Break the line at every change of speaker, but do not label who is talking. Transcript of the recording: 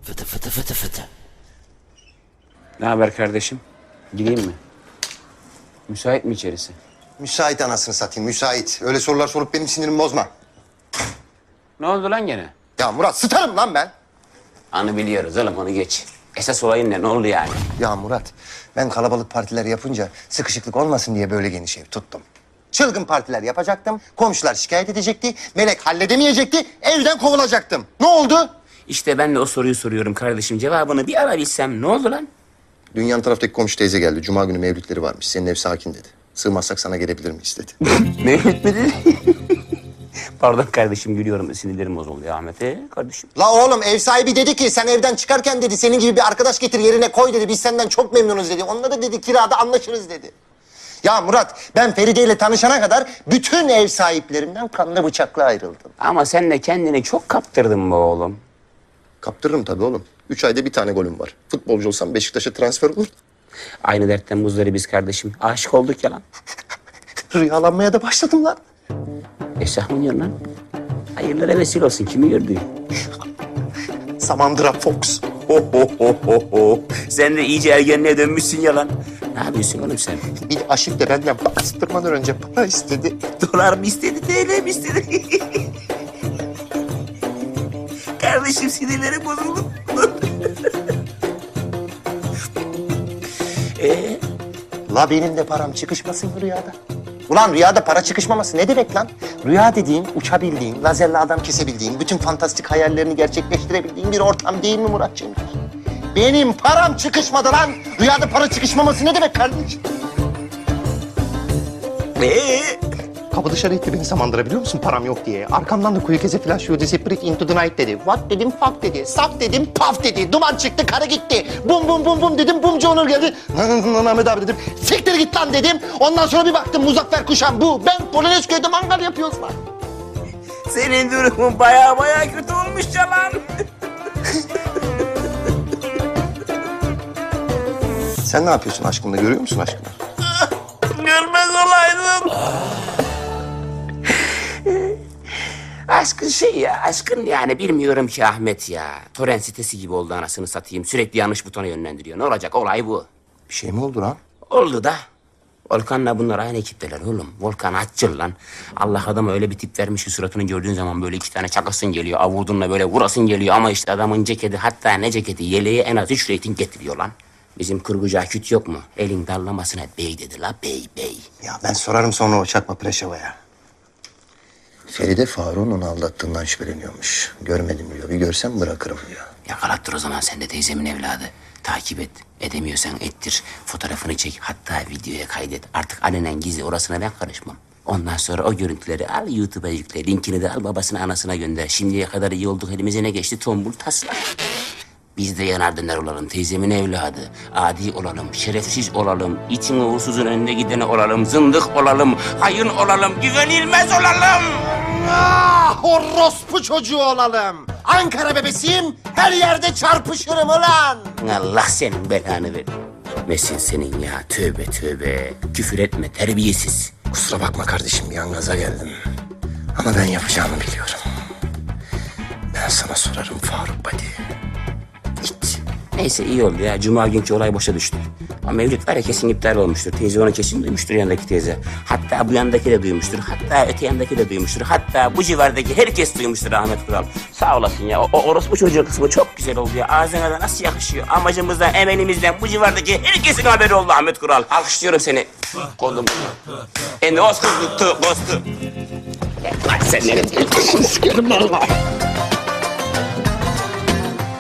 Fıtı fıtı fıtı fıtı.
Ne haber kardeşim? Gireyim mi? Müsait mi içerisi?
Müsait anasını satayım, müsait. Öyle sorular sorup benim sinirimi bozma.
Ne oldu lan gene?
Ya Murat, sıtarım lan ben.
Anı biliyoruz oğlum, onu geç. Esas olayın ne oldu yani?
Ya Murat, ben kalabalık partiler yapınca sıkışıklık olmasın diye böyle geniş ev tuttum. Çılgın partiler yapacaktım, komşular şikayet edecekti, Melek halledemeyecekti, evden kovulacaktım. Ne oldu?
İşte ben de o soruyu soruyorum kardeşim. Cevabını bir ara bilsem ne oldu lan?
Dünyanın taraftaki komşu teyze geldi. Cuma günü mevlütleri varmış. Senin ev sakin dedi. Sığmazsak sana gelebilir miyiz dedi.
Mevlüt mü dedi? Pardon kardeşim, gülüyorum. Sinirlerim bozuldu ya Ahmet. Kardeşim.
La oğlum, ev sahibi dedi ki sen evden çıkarken dedi senin gibi bir arkadaş getir yerine koy dedi. Biz senden çok memnunuz dedi. Onunla da dedi kirada anlaşırız dedi. Ya Murat, ben Feride ile tanışana kadar bütün ev sahiplerimden kanlı bıçakla ayrıldım.
Ama sen de kendini çok kaptırdın be oğlum.
Kaptırırım tabii oğlum. 3 ayda bir tane golüm var. Futbolcu olsam Beşiktaş'a transfer olur.
Aynı dertten muzdarı biz kardeşim. Aşık olduk ya lan.
Rüyalanmaya da başladım lan.
Esah mı diyorsun lan? Hayırlara vesile olsun. Kimi gördü?
Samandıra Fox.
Sen de iyice ergenliğe dönmüşsün ya lan. Ne yapıyorsun oğlum sen?
Bir aşık da benden bastırmadan önce para istedi.
Dolar mı istedi, TL mi istedi? Kardeşim sinirlerim bozuldu.
La benim de param çıkışmasın mı rüyada? Ulan rüyada para çıkışmaması ne demek lan? Rüya dediğin, uçabildiğin, lazerle adam kesebildiğin, bütün fantastik hayallerini gerçekleştirebildiğin bir ortam değil mi Muratcığım? Benim param çıkışmadı lan. Rüyada para çıkışmaması ne demek kardeşim? Kapı dışarı itti beni Samandıra, biliyor musun param yok diye. Arkamdan da kuyu keze flash you disappear into the night dedi. What dedim, fuck dedi. Saf dedim, paf dedi. Duman çıktı, karı gitti. Bum bum bum bum dedim, bumcu Onur geldi. Ahmet abi dedim. Siktir git lan dedim. Ondan sonra bir baktım Muzaffer Kuşan bu. Ben Polonezköy'de mangal yapıyoruz lan.
Senin durumun baya kötü olmuş ya lan.
Sen ne yapıyorsun aşkımla, görüyor musun aşkını?
Görmez olaydım. Aşkın şey ya, aşkın yani bilmiyorum ki Ahmet ya. Torrent sitesi gibi oldu anasını satayım. Sürekli yanlış butona yönlendiriyor. Ne olacak, olay bu.
Bir şey mi oldu lan?
Oldu da. Volkan'la bunlar aynı ekipteler oğlum. Volkan açıl lan. Allah adama öyle bir tip vermiş ki suratını gördüğün zaman böyle 2 tane çakasın geliyor. Avurdunla böyle vurasın geliyor ama işte adamın ceketi, hatta ne ceketi, yeleği en az 3 reyting getiriyor lan. Bizim kurgucu Aküt yok mu? Elin dallamasına bey dedi la, bey.
Ya ben sorarım sonra o çakma Preşeva'ya. Feride Faruk'un onu aldattığından şüpheleniyormuş. Görmedim diyor. Bir görsem bırakırım diyor.
Yakalattır o zaman sen de teyzemin evladı. Takip et. Edemiyorsan ettir. Fotoğrafını çek. Hatta videoya kaydet. Artık alenen gizli, orasına ben karışmam. Ondan sonra o görüntüleri al YouTube'a yükle. Linkini de al babasına anasına gönder. Şimdiye kadar iyi olduk, elimize ne geçti? Tombul tasla. Biz de yanardınlar olalım, teyzemin evladı. Adi olalım, şerefsiz olalım, itin uğursuzun önünde gideni olalım, zındık olalım, hayın olalım, güvenilmez olalım.
Ah, orospu çocuğu olalım. Ankara bebesiyim, her yerde çarpışırım ulan.
Allah senin belanı ver. Mesin senin ya, tövbe. Küfür etme, terbiyesiz.
Kusura bakma kardeşim, bir an gaza geldim. Ama ben yapacağımı biliyorum. Ben sana sorarım Faruk Badi.
İt. Neyse iyi oldu ya, cuma günkü olay boşa düştü. Ama mevlüt var ya, kesin iptal olmuştur. Teyze onu kesin duymuştur, yandaki teyze. Hatta bu yandaki de duymuştur. Hatta öte yandaki de duymuştur. Hatta bu civardaki herkes duymuştur Ahmet Kural. Sağ olasın ya. O orospu çocuğu kısmı çok güzel oldu ya. Ağzına da nasıl yakışıyor. Amacımızdan, emelimizden bu civardaki herkesin haberi oldu Ahmet Kural. Alkışlıyorum seni. Kolum. Ne olsun tuttu, bostu. Sen nereye?